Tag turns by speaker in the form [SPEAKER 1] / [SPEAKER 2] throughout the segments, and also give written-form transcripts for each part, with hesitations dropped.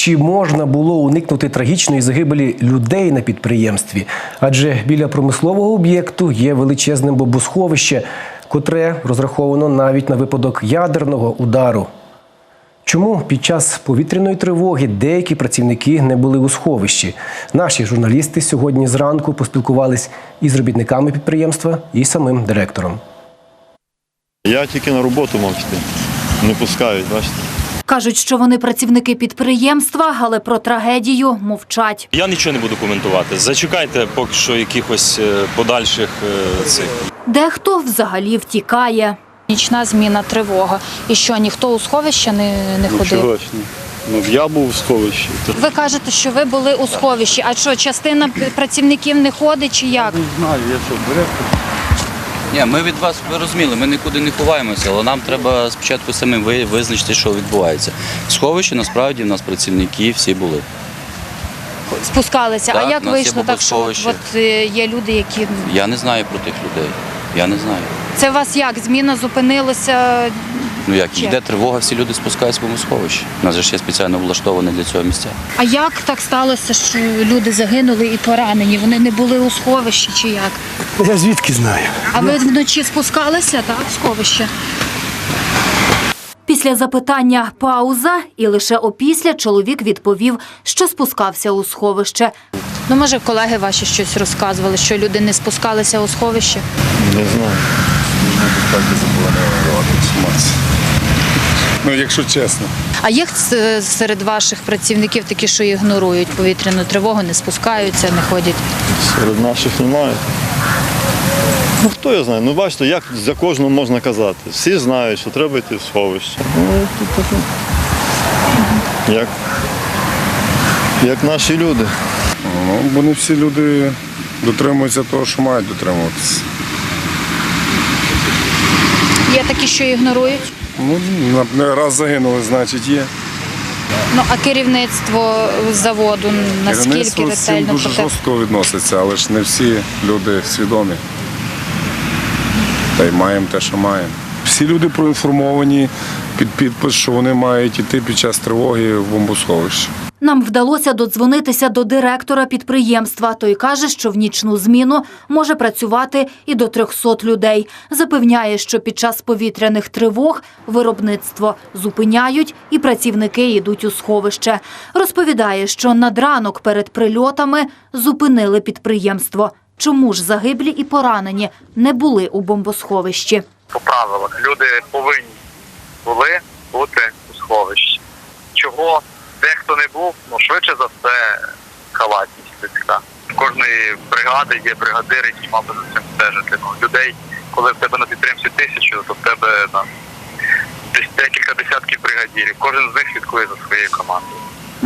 [SPEAKER 1] чи можна було уникнути трагічної загибелі людей на підприємстві? Адже біля промислового об'єкту є величезне бомбосховище, котре розраховано навіть на випадок ядерного удару. Чому під час повітряної тривоги деякі працівники не були у сховищі? Наші журналісти сьогодні зранку поспілкувались із робітниками підприємства і самим директором.
[SPEAKER 2] Я тільки на роботу мав йти. Не пускають, бачите.
[SPEAKER 3] Кажуть, що вони працівники підприємства, але про трагедію мовчать.
[SPEAKER 4] Я нічого не буду коментувати. Зачекайте поки що якихось подальших цих.
[SPEAKER 3] Дехто взагалі втікає.
[SPEAKER 5] Нічна зміна, тривога. І що, ніхто у сховище не ходив?
[SPEAKER 2] Чого ж ні? Я був у сховищі.
[SPEAKER 5] Ви кажете, що ви були у сховищі. А що, частина працівників не ходить чи як?
[SPEAKER 2] Не знаю, я що, директор.
[SPEAKER 6] Ні, ми від вас, ви розуміли, ми нікуди не ховаємося, але нам треба спочатку самим визначити, що відбувається. В сховищі, насправді, в нас працівники всі були.
[SPEAKER 5] Спускалися.
[SPEAKER 6] Так,
[SPEAKER 5] а як
[SPEAKER 6] у нас
[SPEAKER 5] вийшло
[SPEAKER 6] є
[SPEAKER 5] так, що
[SPEAKER 6] бомбосховище.
[SPEAKER 5] є люди, які…
[SPEAKER 6] Я не знаю про тих людей. Я не знаю.
[SPEAKER 5] Це у вас як? Зміна зупинилася?
[SPEAKER 6] Ну як,
[SPEAKER 5] Чи?
[SPEAKER 6] йде тривога, всі люди спускаються в бомбосховище. У нас же ж є спеціально влаштовані для цього місця.
[SPEAKER 5] А як так сталося, що люди загинули і поранені? Вони не були у сховищі чи як?
[SPEAKER 7] Я звідки знаю?
[SPEAKER 5] А ви вночі спускалися, так, в сховище?
[SPEAKER 3] Після запитання пауза, і лише опісля чоловік відповів, що спускався у сховище.
[SPEAKER 5] Ну, може, колеги ваші щось розказували, що люди не спускалися у сховище?
[SPEAKER 2] Не знаю.
[SPEAKER 7] Ну, якщо чесно.
[SPEAKER 5] А є серед ваших працівників такі, що ігнорують повітряну тривогу, не спускаються, не ходять?
[SPEAKER 2] Серед наших немає. Ну хто я знаю? Ну бачите, як за кожного можна казати. Всі знають, що треба йти в сховище. Ну, тут таке. Як наші люди.
[SPEAKER 7] Ну, бо не всі люди дотримуються того, що мають дотримуватися.
[SPEAKER 5] Є такі, що ігнорують?
[SPEAKER 7] Ну, раз загинули, значить є.
[SPEAKER 5] Ну, а керівництво заводу наскільки
[SPEAKER 7] Керівництво з цим
[SPEAKER 5] ретельно
[SPEAKER 7] дуже жорстко відноситься, але ж не всі люди свідомі. Та й маємо те, що маємо. Всі люди проінформовані під підпис, що вони мають йти під час тривоги в бомбосховище.
[SPEAKER 3] Нам вдалося додзвонитися до директора підприємства. Той каже, що в нічну зміну може працювати і до 300 людей. Запевняє, що під час повітряних тривог виробництво зупиняють і працівники йдуть у сховище. Розповідає, що надранок перед прильотами зупинили підприємство. Чому ж загиблі і поранені не були у бомбосховищі?
[SPEAKER 8] По правилах люди повинні були бути у сховищі. Чого дехто не був, ну швидше за все халатність людська. В кожної бригади є бригадир, який мав би за цим стежити. Ну, людей, коли в тебе на підприємстві 1000, то в тебе десь декілька десятків бригадирів. Кожен з них слідкує за своєю командою.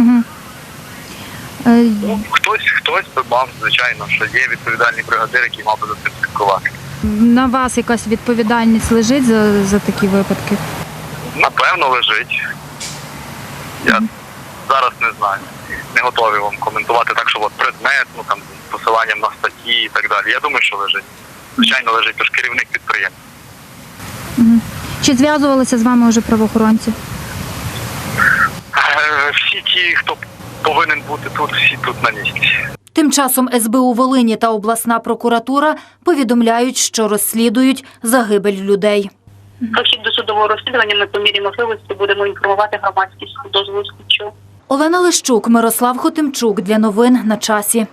[SPEAKER 8] Ну, хтось би мав, звичайно, що є відповідальний бригадир, який мав би за цим слідкувати.
[SPEAKER 5] На вас якась відповідальність лежить за такі випадки?
[SPEAKER 8] Напевно, лежить. Я зараз не знаю. Не готовий вам коментувати так, що от предмет, ну там посиланням на статті і так далі. Я думаю, що лежить. Звичайно, лежить, тож керівник підприємства.
[SPEAKER 5] Чи зв'язувалися з вами вже правоохоронці?
[SPEAKER 8] Всі ті, хто повинен бути тут, всі тут на місці.
[SPEAKER 3] Тим часом СБУ Волині та обласна прокуратура повідомляють, що розслідують загибель людей.
[SPEAKER 9] Про хід досудового розслідування ми по мірі можливості будемо інформувати громадськість дозволу слідчого.
[SPEAKER 3] Олена Лищук, Мирослав Хотимчук. Для новин на часі.